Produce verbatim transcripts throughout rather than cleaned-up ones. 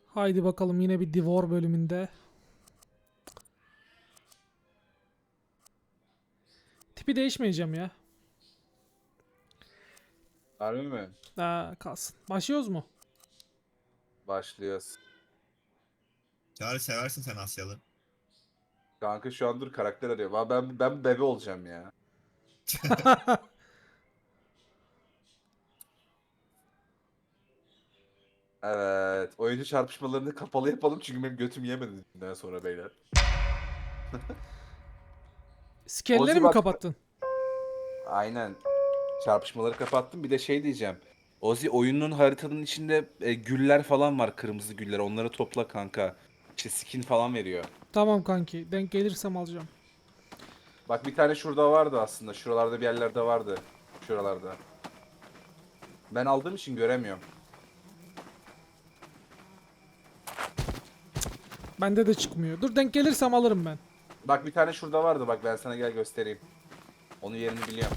Haydi bakalım yine bir Divor bölümünde. Tipi değişmeyeceğim ya. Harbi mi? Aa, kalsın. Başlıyoruz mu? Başlıyoruz. Çağrı seversin sen Asyalı. Kanka şu an dur karakter arıyorum. Abi ben ben bebe olacağım ya. Evet. Oyuncu çarpışmalarını kapalı yapalım çünkü benim götüm yemedi bundan sonra beyler. Skelleri Ozi mi bak. kapattın? Aynen. Çarpışmaları kapattım. Bir de şey diyeceğim. Ozi oyunun haritanın içinde e, güller falan var. Kırmızı güller. Onları topla kanka. İşte skin falan veriyor. Tamam kanki. Denk gelirsem alacağım. Bak bir tane şurada vardı aslında. Şuralarda bir yerlerde vardı. Şuralarda. Ben aldığım için göremiyorum. Bende de çıkmıyor. Dur denk gelirsem alırım ben. Bak bir tane şurada vardı. Bak ben sana gel göstereyim. Onun yerini biliyorum.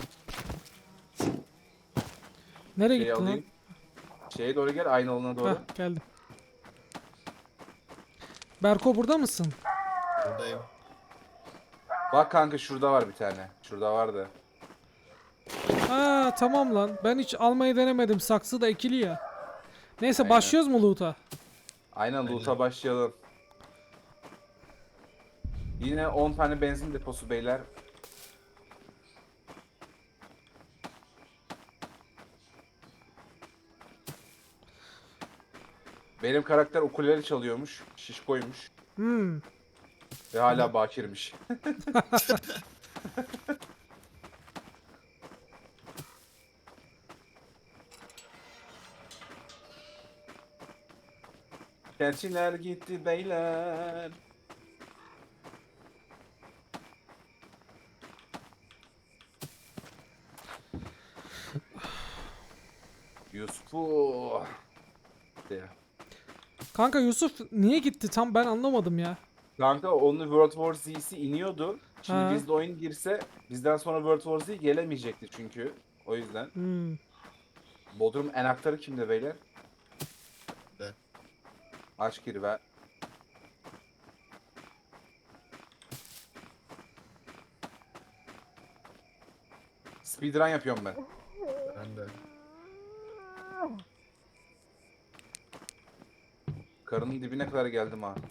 Nereye Şeyi gittin lan? alayım. Şeye doğru gel. Aynı alana doğru. Heh, geldim. Berko burada mısın? Buradayım. Bak kanka şurada var bir tane. Şurada vardı. Ha tamam lan. Ben hiç almayı denemedim. Saksı da ekili ya. Neyse Aynen. başlıyoruz mu loot'a? Aynen loot'a Aynen. başlayalım. Yine on tane benzin deposu beyler. Benim karakter ukulele çalıyormuş. Şişkoymuş. Hmm. Ve hala bakirmiş. Keçiler gitti beyler. Yusuf'u. De. Kanka Yusuf niye gitti tam ben anlamadım ya. Kanka onun World War Z'si iniyordu. Şimdi Ha. bizde oyun girse bizden sonra World War Z gelemeyecekti çünkü. O yüzden. Hmm. Bodrum enaktarı kimde beyler? De. Aç gir ver. Speedrun yapıyorum ben. Ben de. Karının dibine kadar geldim ha.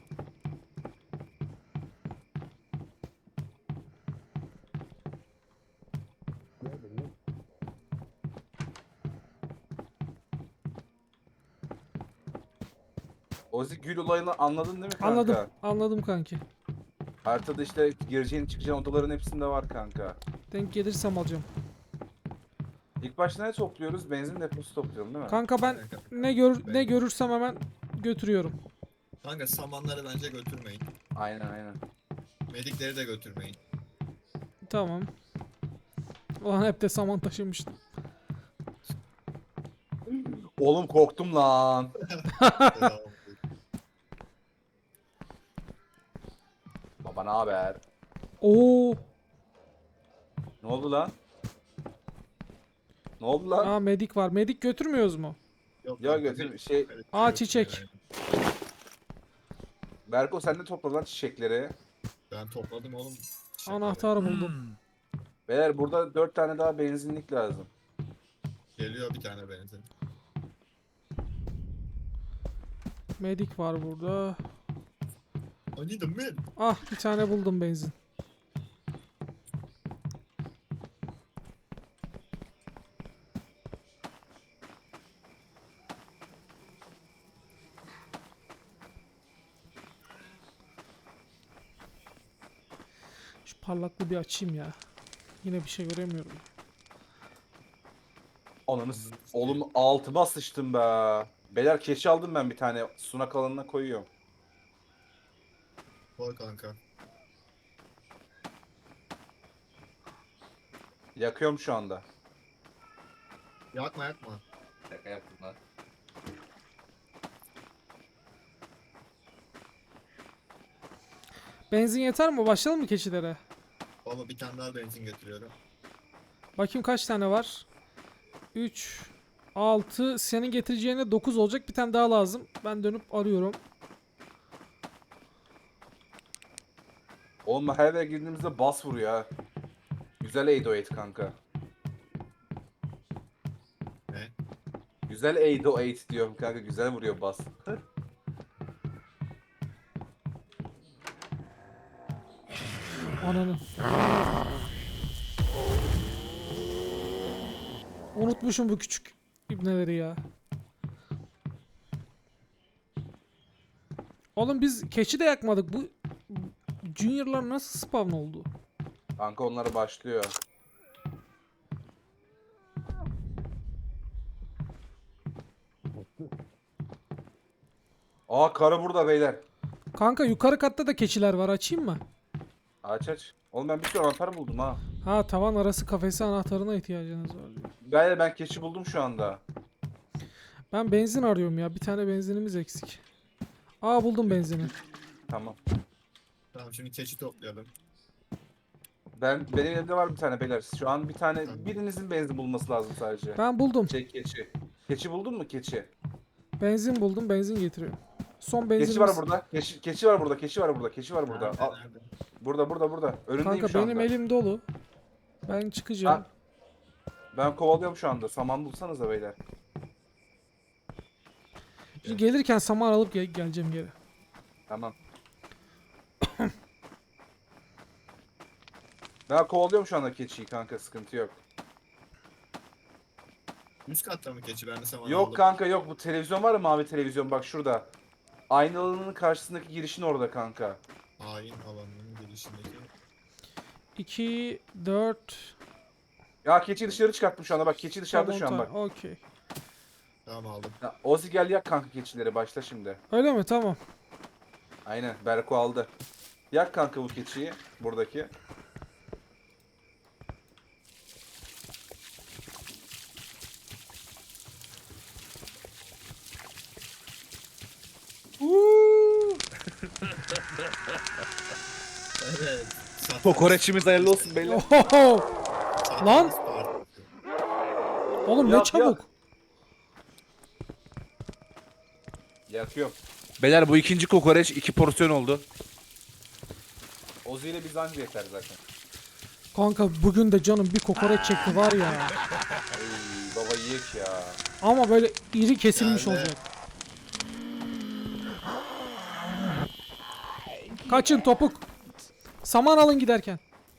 Ozi gül olayını anladın değil mi kanka? Anladım. Anladım kanki. Haritada işte gireceğin çıkacağın odaların hepsinde var kanka. Denk gelirsem alacağım. İlk başta ne topluyoruz? Benzin deposu topluyorum değil mi? Kanka ben ne gör ne görürsem hemen götürüyorum. Kanka samanları bence götürmeyin. Aynen aynen. Medikleri de götürmeyin. Tamam. Ulan hep de saman taşımıştım. Oğlum korktum lan. Devam. Baba ne haber? Oo. Ne oldu lan? Ne oldu lan? Aa medik var. Medik götürmüyoruz mu? Yok, Ya kanka, götür bir- şey Aa çiçek. Berko sen de topla lan çiçekleri. Ben topladım oğlum. Şaka Anahtar buldum. Beyler burada dört tane daha benzinlik lazım. Geliyor bir tane benzin. Medik var burada. I need a med. Ah bir tane buldum benzin. Şu parlaklığı bir açayım ya. Yine bir şey göremiyorum. Ananı s- oğlum altıma sıçtım be. Beyler keçi aldım ben bir tane. Sunak alanına koyuyorum. Koy kanka. Yakıyorum şu anda. Yakma yakma. Şaka yaptım lan. Benzin yeter mi? Başlayalım mı keçilere? Baba bir tane daha benzin getiriyorum. Bakayım kaç tane var? üç, altı. Senin getireceğine dokuz olacak. Bir tane daha lazım. Ben dönüp arıyorum. Oğlum her eve girdiğimizde bas vuruyor ha. Güzel eight oh eight kanka. Ne? Güzel eight oh eight diyorum kanka. Güzel vuruyor bas. Ananı. Unutmuşum bu küçük ibneleri ya. Oğlum biz keçi de yakmadık. Bu Junior'lar nasıl spawn oldu? Kanka onlara başlıyor. Aa karı burada beyler. Kanka yukarı katta da keçiler var. Açayım mı? Aç aç. Oğlum ben bir sürü anahtar buldum ha. Ha, tavan arası kafesi anahtarına ihtiyacınız var diyor. Beyler ben keçi buldum şu anda. Ben benzin arıyorum ya. Bir tane benzinimiz eksik. Aa, buldum benzini. Tamam. Tamam şimdi keçi toplayalım. Ben benim elimde var bir tane beyler. Şu an bir tane birinizin benzin bulması lazım sadece. Ben buldum. Şey keçi. Keçi buldun mu keçi? Benzin buldum. Benzin getiriyorum. Son benzinimiz. Keçi var burada. Keçi, keçi var burada. Keçi var burada. Keçi var burada. Nerede, Al. nerede? Burada burada burada. Önündeyim Kanka şu anda. benim elim dolu. Ben çıkacağım. Ha. Ben kovalıyorum şu anda. Saman bulsanıza beyler. Şimdi gelirken saman alıp gel- geleceğim geri. Tamam. Ben kovalıyorum şu anda keçiyi kanka. Sıkıntı yok. Üst katta mı keçi? Ben de saman Yok aldım. kanka yok. Bu televizyon var ya, mavi televizyon, bak şurada. Aynalının karşısındaki girişin orada kanka. Hain alanının girişindeki. iki, dört... Ya keçiyi dışarı çıkarttım şu anda, bak keçi dışarıda şu an bak. Okey. Tamam aldım. Ya, Ozi gel yak kanka keçileri, başla şimdi. Öyle mi? Tamam. Aynen, Berko aldı. Yak kanka bu keçiyi buradaki. Uuu. Evet. Satranç- Kokoreçimiz hayırlı olsun beyler. Oho! satranç Lan! partisi. Oğlum ne Yak, çabuk. yak. Yakıyorum. Beyler bu ikinci kokoreç iki porsiyon oldu. Ozi ile biz anca yeter zaten. Kanka bugün de canım bir kokoreç çekti var ya. Ay baba yiyek ya. Ama böyle iri kesilmiş Yani. olacak. Kaçın topuk. Saman alın giderken.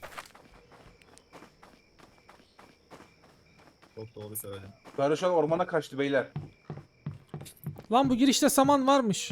Çok doğru söyledin. Karı şu an ormana kaçtı beyler. Lan bu girişte saman varmış.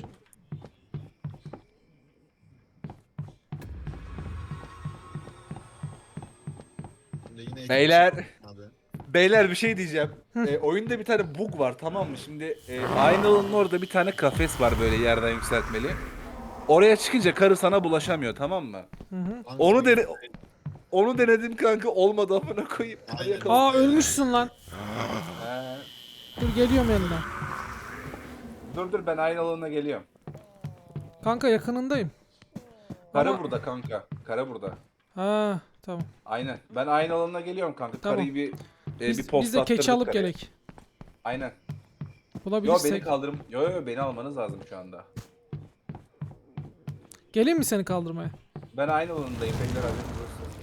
Şimdi yine iki Beyler. keçi- Abi. Beyler bir şey diyeceğim. E, oyunda bir tane bug var, tamam mı? Şimdi e, Aynalının orada bir tane kafes var böyle yerden yükseltmeli. Oraya çıkınca karı sana bulaşamıyor, tamam mı? Hı hı. Hangi Onu bir- dene onu denedim kanka, olmadı, amına koyayım. Aynen. Yakaladım. Aa, ölmüşsün lan. He. Dur geliyorum yanına. Dur dur ben Aynalına geliyorum. Kanka yakınındayım. Karı Ama- burada kanka. Karı burada. Ha, tamam. Aynen. Ben Aynalına geliyorum kanka. Tamam. Karıyı bir e, Biz, bir post biz de keçi attırdık alıp karıya. gerek. Aynen. Yo beni Bulabilirsek. kaldırım. Yo yo beni almanız lazım şu anda. Geleyim mi seni kaldırmaya? Ben Aynalındayım beyler, haberiniz olsun.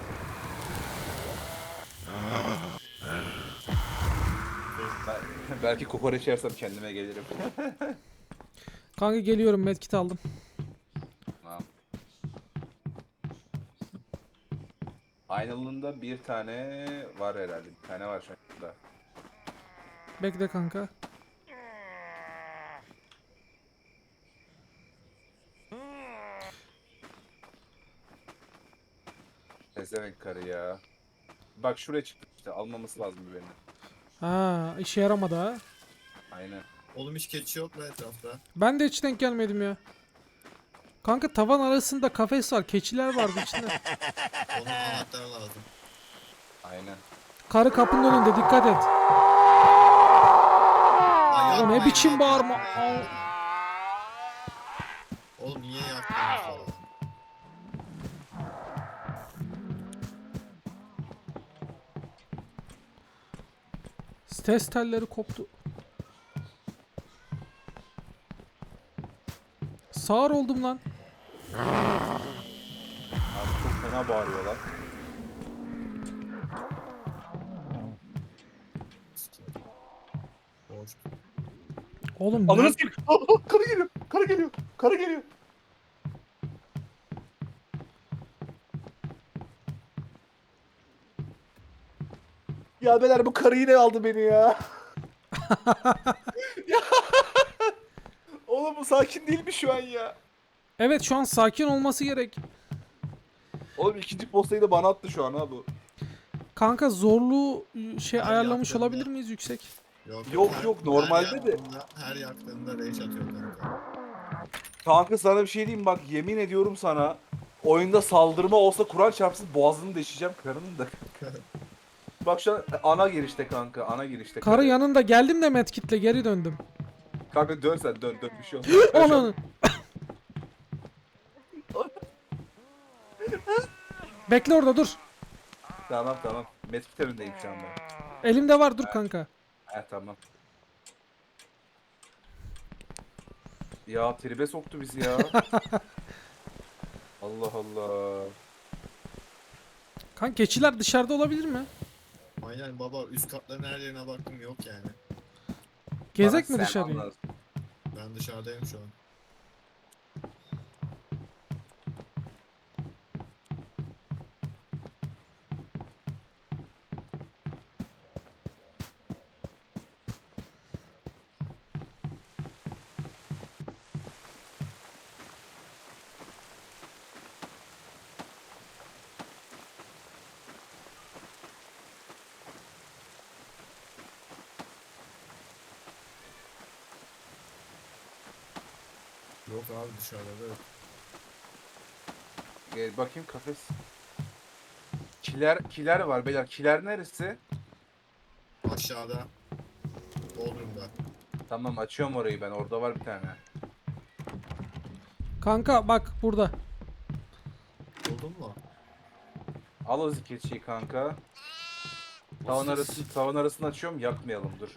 Ben- belki kokoreç yersem kendime gelirim. Kanka geliyorum, medkit aldım. Tamam. Aynalında bir tane var herhalde. Bir tane var şu anda. Bekle kanka. Pezevenk karı ya. Bak şuraya çıktı işte, almaması lazım bir beni. Ha, işe yaramadı ha. Aynen. Oğlum hiç keçi yok mu etrafta? Ben de hiç denk gelmedim ya. Kanka tavan arasında kafes var. Keçiler vardı içinde. Onun anahtarı lazım. Aynen. Karı kapının önünde, dikkat et. Lan O ne yapmayın biçim lan. bağırma. Al. Oğlum niye yaktınız falan? Test telleri koptu. Sağır oldum lan. Fena bağırıyorlar. Boş. Oğlum ne? Ananı sikeyim. Aa, aa, karı geliyor. Karı geliyor. Karı geliyor. Ya beyler bu karı yine aldı beni ya. Ya. Oğlum bu sakin değil mi şu an ya? Evet şu an sakin olması gerek. Oğlum ikinci postayı da bana attı şu an ha bu. Kanka zorluğu şey Her ayarlamış yaptığında- olabilir miyiz yüksek? Yok Yok, her- yok, normalde her de- yaktığında- Her yaktığında rage atıyor kanka. Kanka sana bir şey diyeyim bak yemin ediyorum sana. Oyunda saldırma olsa Kur'an çarpsın boğazını deşeceğim karının da. Bak şu an ana girişte kanka ana girişte. Karı yanında geldim de medkitle geri döndüm. Kanka dön sen dön dön bir şey olmaz. Ben şu an- Onun. Bekle orada dur. Tamam tamam. Medkit önündeyim şu anda. Elimde var dur kanka. He tamam. Ya tribe soktu bizi ya. Allah Allah. Kanka keçiler dışarıda olabilir mi? Aynen baba üst katların her yerine baktım yok yani. Gezek Bana mi sen dışarıya? anlat. Ben dışarıdayım şu an. Yok abi dışarıda da yok. Gel bakayım kafes. Kiler kiler var beyler. Kiler neresi? Aşağıda. Bodrum'da. Tamam açıyorum orayı ben. Orada var bir tane. Kanka bak burada. Buldun mu? Al o keçiyi kanka. Tavan arasını tavan arasını açıyorum. Yakmayalım dur.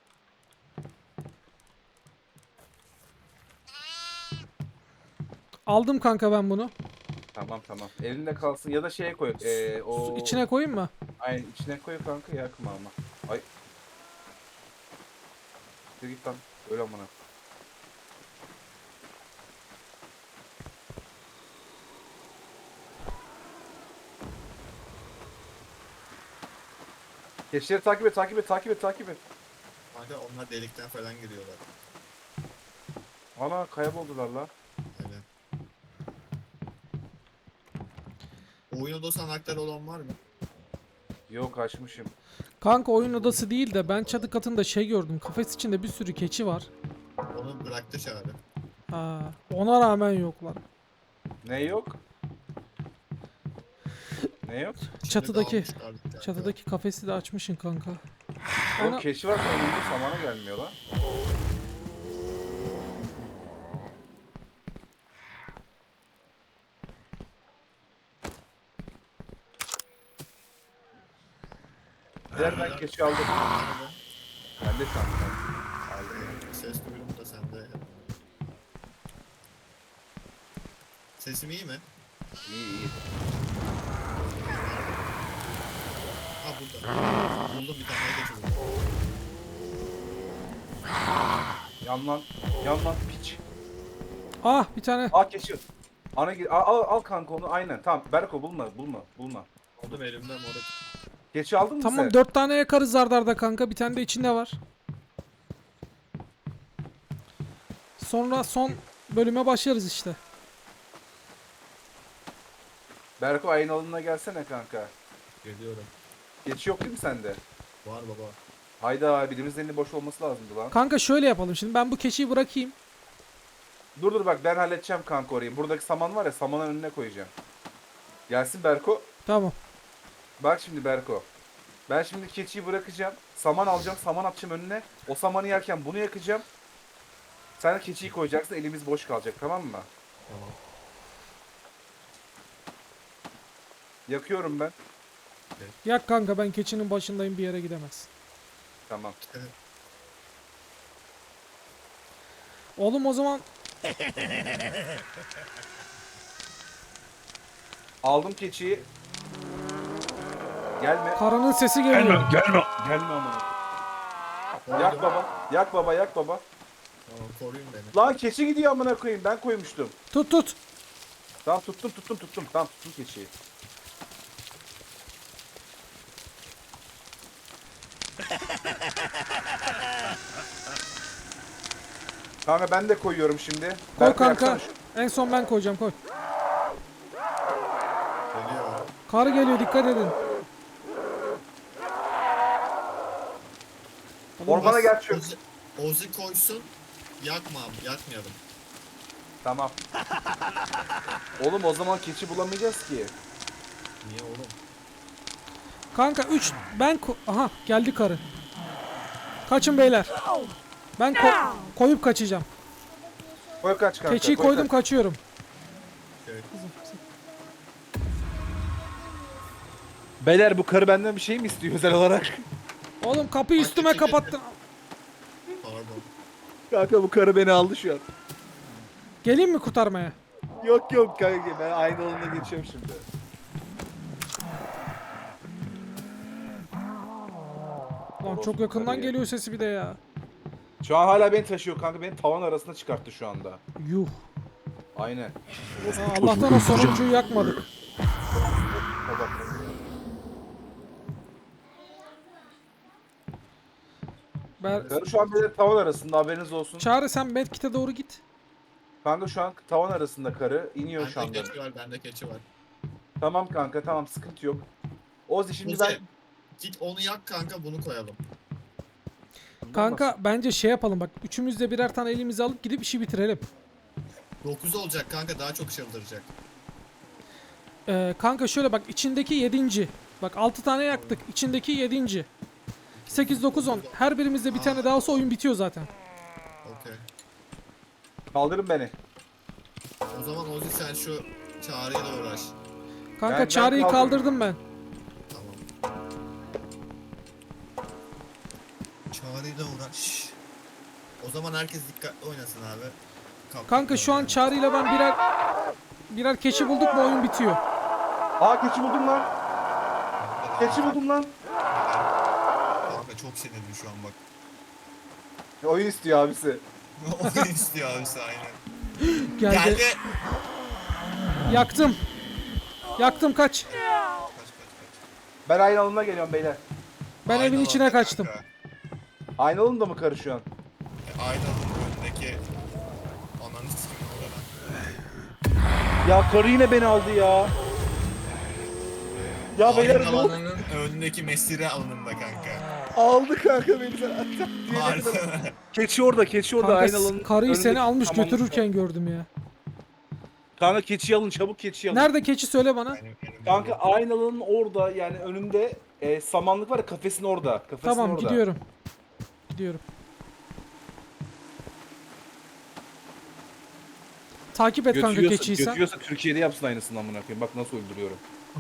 Aldım kanka ben bunu. Tamam tamam. Elinde kalsın ya da şeye koy. Ee, o Su içine koyayım mı? Aynen içine koy kanka yakma ama. Ay. Dur git lan. Öyle amına. Keçileri takip et, takip et, takip et, takip et. Kanka onlar delikten falan giriyorlar. Ana kayboldular la. Aynen. Oyun odası anahtarı olan var mı? Yok açmışım. Kanka oyun odası değil de ben çatı katında şey gördüm. Kafes içinde bir sürü keçi var. Onu bıraktı çağrı. Ha, ona rağmen yoklar. Ne yok? Ne yok? Şimdi Çatıdaki- dağılmış kaldık kanka. Çatıdaki kafesi de açmışsın kanka. Yok Ana- keçi var önümde samana gelmiyor lan. Nereden keçi aldım? Ben de sandım. Aldım. Ses duydum da sende. Sesim iyi mi? İyi iyi. Ha burada. Buldum bir tane geçi buldum. Yan lan. Yan lan piç. Ah bir tane. Aa keçi. Ana gir. Al, al, al kanka onu aynen. Tamam Berko bulma bulma bulma. Buldum elimde moruk. Keçi aldın mı sen? Tamam dört tane yakarız ardarda kanka. Bir tane de içinde var. Sonra son bölüme başlarız işte. Berko ayın alınına gelsene kanka. Geliyorum. Keçi yok değil mi sende? Var baba. Hayda birimizin elinin boş olması lazımdı lan. Kanka şöyle yapalım şimdi. Ben bu keçiyi bırakayım. Dur dur bak ben halledeceğim kanka orayı. Buradaki saman var ya samanın önüne koyacağım. Gelsin Berko. Tamam. Bak şimdi Berko. Ben şimdi keçiyi bırakacağım. Saman alacağım. Saman atacağım önüne. O samanı yerken bunu yakacağım. Sen de keçiyi koyacaksın. Elimiz boş kalacak tamam mı? Tamam. Yakıyorum ben. Yak kanka ben keçinin başındayım bir yere gidemez. Tamam. Oğlum o zaman Aldım keçiyi. Gelme. Karının sesi geliyor. gelme. Gelme amına. Yak baba. Yak baba, yak baba. Tamam, koruyun beni. Lan keçi gidiyor amına koyayım. Ben koymuştum. Tut tut. Tamam tuttum tuttum tuttum. Tamam tuttum keçiyi. Kanka ben de koyuyorum şimdi. Koy Berkay, kanka. yapsana şu- En son ben koyacağım, koy. Geliyor. Karı geliyor, dikkat edin. Ormana gel şu. Ozi, Ozi koysun. Yakma abi, yakmayalım. Tamam. Oğlum o zaman keçi bulamayacağız ki. Niye oğlum? Kanka üç ben ko- aha geldi karı. Kaçın beyler. Ben ko- koyup kaçacağım. Koy kaç kanka. Keçiyi koy koydum, kaç. kaçıyorum. Köy. Beyler bu karı benden bir şey mi istiyor özel olarak? Oğlum kapıyı Ay, üstüme keçi kapattın. Pardon. Kanka bu karı beni aldı şu an. Geleyim mi kurtarmaya? Yok yok kanka ben aynı alanına geçiyorum şimdi. Lan çok yakından geliyor sesi bir de ya. Şu an hala beni taşıyor kanka, beni tavan arasına çıkarttı şu anda. Yuh. Aynen. Ha, Allah'tan o sonuncuyu yakmadık. Bak. Ber Karı şu an benim tavan arasında, haberiniz olsun. Çağrı sen medkit'e doğru git. Kanka şu an tavan arasında karı iniyor şu Bende anda. keçi var, bende keçi var. Tamam kanka tamam, sıkıntı yok. Ozi şimdi Ozi, ben... git onu yak kanka, bunu koyalım. Kanka bence şey yapalım bak. Üçümüz de birer tane elimize alıp gidip işi bitirelim. dokuz olacak kanka, daha çok çıldıracak. Ee, kanka şöyle bak, içindeki yedinci. Bak altı tane yaktık. İçindeki yedinci. sekiz, dokuz, on. Her birimizde bir tane daha olsa oyun bitiyor zaten. Okey. Kaldırın beni. O zaman Ozi sen şu çağrıyla uğraş. Kanka Ben- ben Çağrı'yı kaldırdım. kaldırdım ben. Tamam. Çağrıyla uğraş. O zaman herkes dikkatli oynasın abi. Kap- Kanka şu an Çağrı'yla ben birer birer keçi bulduk mu oyun bitiyor. Aa keçi buldum lan. Keçi buldum lan. Kanka çok sinirli şu an bak. Oyun istiyor abisi. Oyun istiyor abisi aynen. Geldi. Geldi. Yaktım. Yaktım, kaç. Kaç kaç kaç. Ben aynı alanına geliyorum beyler. Ben Aynı evin alanda içine kaçtım. kanka. Aynı alanında mı karı şu an? E, Aynı alanın önündeki ananı sikim orada lan. Ya karı yine beni aldı ya. Ya beyler Aynı ne oldu? alanın önündeki mesire alanında kanka. Aldı kanka beni zaten. Harbiden. Keçi orada, keçi orada Kanka aynı alanın. karıyı seni önündeki almış samanlıkta. götürürken gördüm ya. Kanka keçiyi alın, çabuk keçiyi alın. Nerede keçi, söyle bana. Benim- benim- Kanka aynı alanın orada, yani önünde e, samanlık var ya, kafesin orada. Kafesin Tamam orada. gidiyorum. Gidiyorum. Takip et kanka Götürüyorsa, keçiyi sen. götürüyorsa Türkiye'de yapsın aynısını amına koyayım. Bak nasıl öldürüyorum.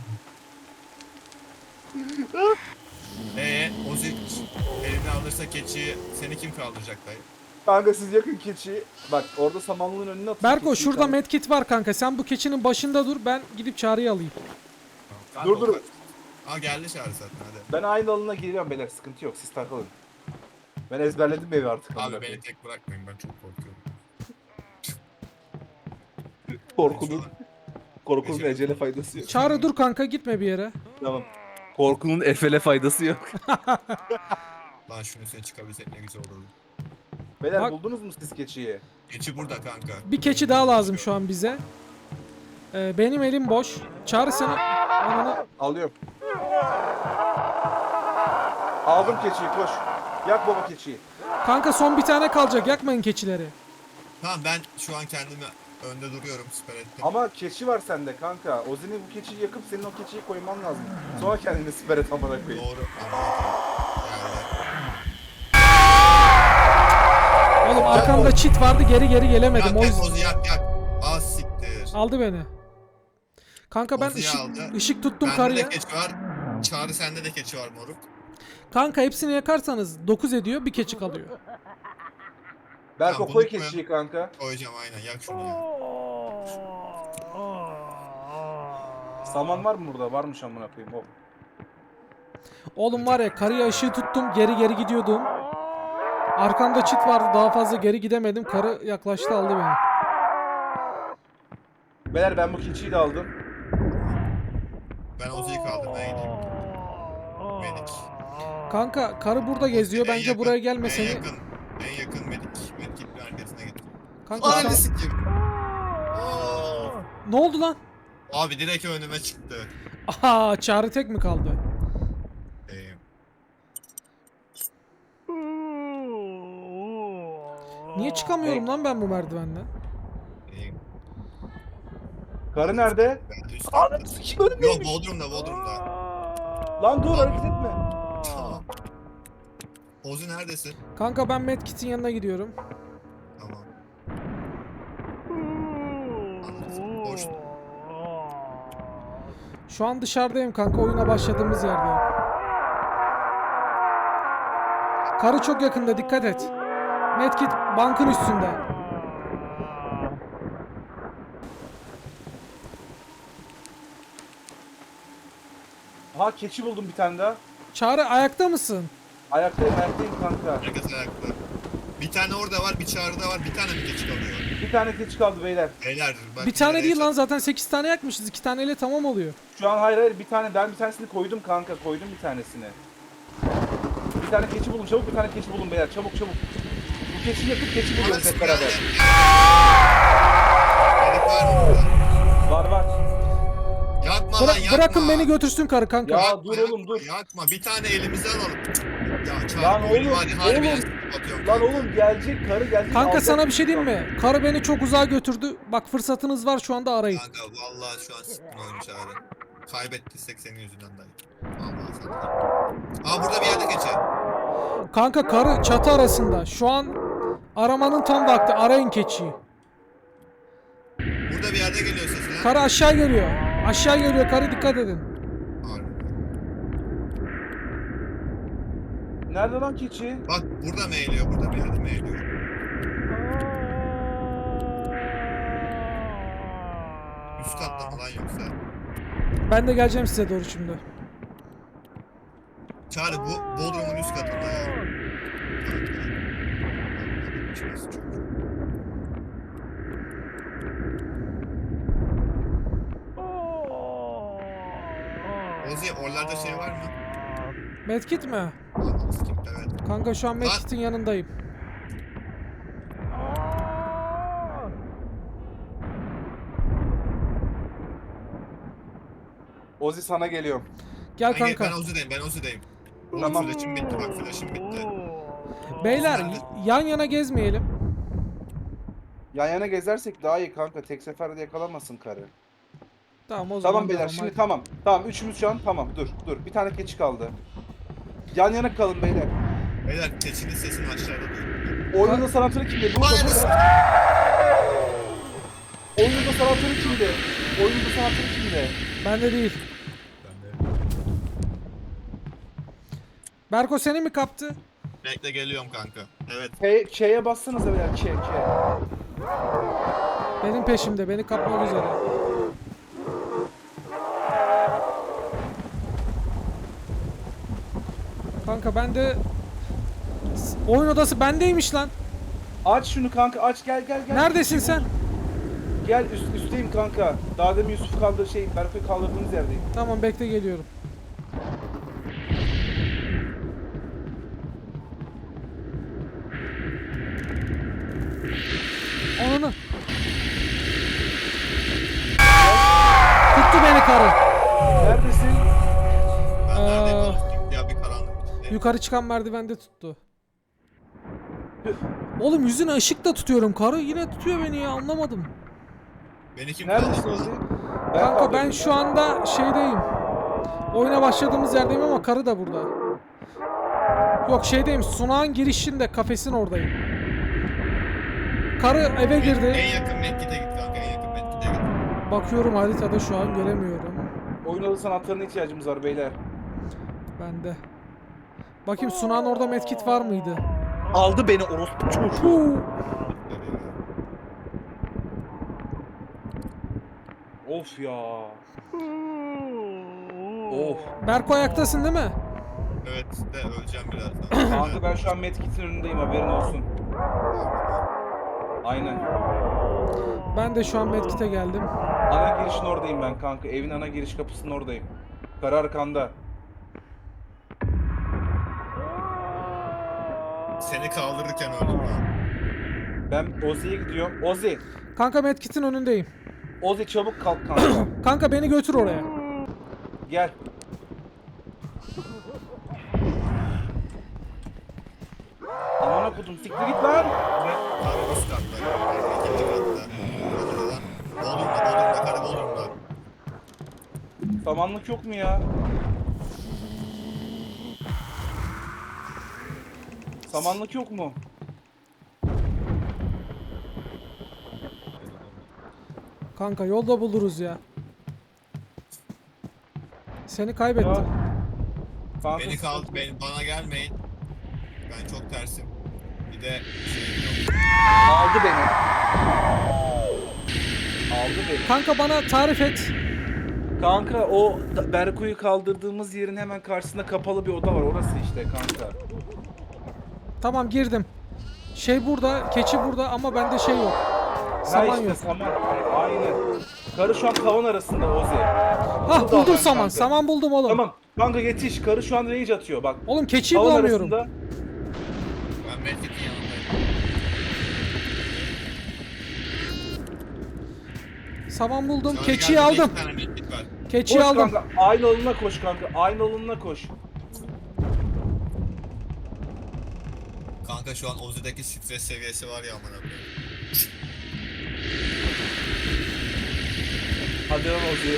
Eee Ozi elini alırsa keçiyi seni kim kaldıracak dayı? Kanka siz yakın keçiyi. Bak orada samanlığın önüne atın. Berko keçiyi şurada kanka. medkit var kanka. Sen bu keçinin başında dur. Ben gidip Çağrı'yı alayım. Kanka, Dur, dur. o kaç- Aa geldi çağrı zaten hadi. Ben aynı alanına giriyorum beyler, sıkıntı yok, siz takılın. Ben ezberledim evi artık. amına Abi beni koyayım. tek bırakmayın, ben çok korkuyorum. Korkunun, korkunun ecele faydası yok. Çağrı dur kanka, gitme bir yere. Tamam. Korkunun efele faydası yok. Lan şunu sen çıkabilsek ne güzel olurdu. Beyler Bak- buldunuz mu siz keçiyi? Keçi burada kanka. Bir keçi daha lazım şu an bize. Ee, benim elim boş. Çağrı seni... Ananı... Alıyorum. Aldım keçiyi, koş. Yak baba keçiyi. Kanka son bir tane kalacak. Yakmayın keçileri. Tamam ben şu an kendimi önde duruyorum, siper ettim. Ama keçi var sende kanka. Ozi'nin bu keçiyi yakıp senin o keçiyi koyman lazım. Sonra kendini siper et amına koyayım. Doğru. Yani Oğlum arkamda çit vardı, geri geri gelemedim. yak O yak yüzden Ozi yak yak. Az siktir. aldı beni. Kanka ben Ozi'yi ışık, aldı. ışık tuttum Bende karıya. de keçi var. Çağrı sende de keçi var moruk. Kanka hepsini yakarsanız dokuz ediyor, bir keçi kalıyor. Berko Tamam, koy bunu koyalım. keçiyi kanka. Koyacağım aynen, yak şunu ya. Saman var mı burada? Varmış amına koyayım. Hop. Oğlum var ya, karıya ışığı tuttum, geri geri gidiyordum. Arkamda çit vardı, daha fazla geri gidemedim. Karı yaklaştı, aldı beni. Beyler ben bu keçiyi de aldım. Ben Ozi'yi kaldırmaya gideyim. Medik. Kanka karı burada geziyor. En Bence yakın- buraya En gelmeseni. yakın, en yakın medik. Medik'in arkasına git. Kanka sen... Ananı sikeyim. Oo. Ne oldu lan? Abi direkt önüme çıktı. Aha, Çağrı tek mi kaldı? Ee, Niye çıkamıyorum lan ben bu merdivenden? e, Karı nerede? ben üst Ananı katta. sikeyim önümde. Yok Bodrum'da Bodrum'da. Lan dur hareket etme. Tamam. Ozi neredesin? Kanka ben Medkit'in yanına gidiyorum. Tamam. Anladım. Boş. Şu an dışarıdayım kanka, oyuna başladığımız yerdeyim. Karı çok yakında, dikkat et. Medkit bankın üstünde. Ha keçi buldum bir tane daha. Çağrı ayakta mısın? Ayaktayım ayaktayım kanka. Herkes ayakta. Bir tane orada var, bir çağrıda var, bir tane mi geç kalıyor? Bir tane keçi kaldı beyler. Beyler bak. Bir tane nereye değil lan, çat- zaten sekiz tane yakmışız. iki taneyle tamam oluyor. Şu an hayır hayır bir tane ben bir tanesini koydum kanka koydum bir tanesini. Bir tane keçi buldum çabuk bir tane keçi buldum beyler çabuk çabuk. Bu keçiyi yakıp keçi buluyoruz hep beraber. Medik var mı burada? Var var. Yakma Bıra- lan yakma. bırakın beni götürsün karı kanka. Ya Yakma, dur yakma, oğlum, dur. Yakma bir tane elimize alalım. Ya çağır. Lan oyunu oğlum, var ya, harbiden oğlum. atıyorum. Lan oğlum gelecek karı gelecek. Kanka alacak sana bir şey bizi. diyeyim mi? Karı beni çok uzağa götürdü. Bak fırsatınız var şu anda, arayın. Kanka vallahi şu an sıkkın oyunu çağırdı. Kaybettiysek senin yüzünden dayı. Vallahi sana. Aa burada bir yerde geçer. Kanka karı çatı arasında. Şu an aramanın tam vakti. Arayın keçiyi. Burada bir yerde geliyor sesler. Karı aşağı geliyor. Aşağı geliyor karı, dikkat edin. Harbi. Nerede lan keçi? Bak burada mı eğiliyor? Burada bir yerde mi eğiliyor? Üst katta mı lan yoksa? Ben de geleceğim size doğru şimdi. Çağrı bu Bodrum'un üst katında ya. Kanka. İçmesi çok. Ozi oralarda şey var mı? Medkit mi? Anladın skip evet. Kanka şu an Medkit'in yanındayım. Ozi sana geliyorum. Gel Ben, gel- kanka. ben Ozi'deyim ben Ozi'deyim. Oğlum Tamam. flash'ım bitti bak flash'ım bitti. Beyler Nerede? yan yana gezmeyelim. Yan yana gezersek daha iyi kanka. Tek seferde yakalamasın karı. Tamam o zaman. Tamam beyler devam, şimdi hadi. tamam. Tamam üçümüz şu an tamam dur dur. Bir tane keçi kaldı. Yan yana kalın beyler. Beyler keçinin sesini aşağıda duyuyorum. Oyunun sanatörü kimdi? Burada Ananı burada. Oyunun sanatörü kimdi? Oyunun sanatörü kimdi? Bende değil. Ben de. Berko seni mi kaptı? Bekle geliyorum kanka. Evet. K, K'ye bassanıza beyler K, K. Benim peşimde, beni kapmak üzere. Kanka ben de oyun odası bendeymiş lan. Aç şunu kanka aç gel gel gel. Neredesin sen? Gel üst, üstteyim kanka. Daha demin Yusuf kaldı şey Berkay kaldırdığımız yerdeyim. Tamam bekle, geliyorum. Ananı. Tuttu beni karı. Neredesin? Ben Aa. neredeyim oğlum? Ya bir karanlık. Yukarı çıkan merdivende tuttu. Oğlum yüzüne ışık da tutuyorum. Karı yine tutuyor beni ya, anlamadım. Beni kim Neredesin kaldırdı? Ozi? Kanka ben kaldırdım. şu anda şeydeyim. Oyuna başladığımız yerdeyim ama karı da burada. Yok şeydeyim, sunağın girişinde, kafesin oradayım. Karı eve girdi. En yakın Medkit'e git kanka en yakın Medkit'e git. Bakıyorum haritada, şu an göremiyorum. Oyun odası sanatlarına ihtiyacımız var beyler. Bende. Bakayım sunağın orada medkit var mıydı? Aldı beni orospu çocuğu. Huu. Of ya. Of. Berko ayaktasın değil mi? Evet de öleceğim birazdan. Kanka ben şu an medkit'in önündeyim, haberin olsun. Aynen. Ben de şu an medkit'e geldim. Ana girişin oradayım ben kanka. Evin ana giriş kapısının oradayım. Karı arkanda. Seni kaldırırken öldüm lan. Ben Ozi'ye gidiyorum. Ozi. Kanka medkit'in önündeyim. Ozi çabuk kalk kanka. Kanka beni götür oraya. Gel. Amına kodum, siktir git lan. Karı üst katta. İkinci katta. Bodrum'da. Bodrum'da, Bodrum'da, karı Bodrum'da. Samanlık yok mu ya? Samanlık yok mu? Kanka yolda buluruz ya. Seni kaybettim. Ya. Kanka, Beni kal, beni, bana gelmeyin. Ben çok tersim. Bir de şeyim yok. aldı beni. Aldı beni. Kanka bana tarif et. Kanka o da- Berko'yu kaldırdığımız yerin hemen karşısında kapalı bir oda var. Orası işte kanka. Tamam girdim. Şey burada, keçi burada ama bende şey yok. Ha Saman işte yok. saman. Aynen. Karı şu an tavan arasında Ozi. Hah Burada buldum ben saman. kanka. Saman buldum oğlum. Tamam. Kanka yetiş. Karı şu an rage atıyor bak. Oğlum keçiyi Tavan bulamıyorum. arasında. Ben Medkit'in yanındayım. Saman buldum. Sana Keçiyi geldiğinde aldım. iki tane Medkit var. Keçiyi Koş aldım. kanka. Aynı alınına koş kanka. Aynı alınına koş. Kanka şu an Ozi'deki stres seviyesi var ya amına koyayım. Hadi lan Ozi.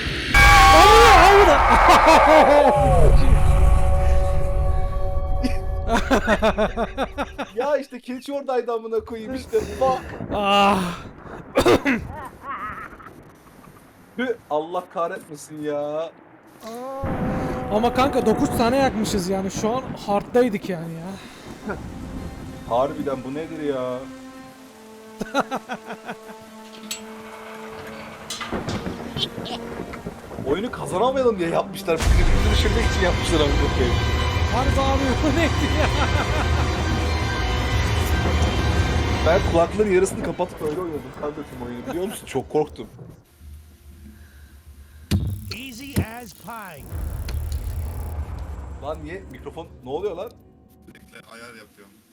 Ya işte keçi oradaydı amına koyayım işte. Bak. Ah. Hü, Allah kahretmesin ya. Ama kanka dokuz tane yakmışız yani. Şu an hard'daydık yani ya. Harbiden bu nedir ya? Oyunu kazanamayalım diye yapmışlar. Bizi düşürmek için yapmışlar amına koyayım. Harbi abi bu neydi ya? Ben kulakların yarısını kapatıp öyle oynadım kanka tüm oyunu, biliyor musun? Çok korktum. Easy as pie. Lan niye mikrofon ne oluyor lan? Sürekli ayar yapıyorum.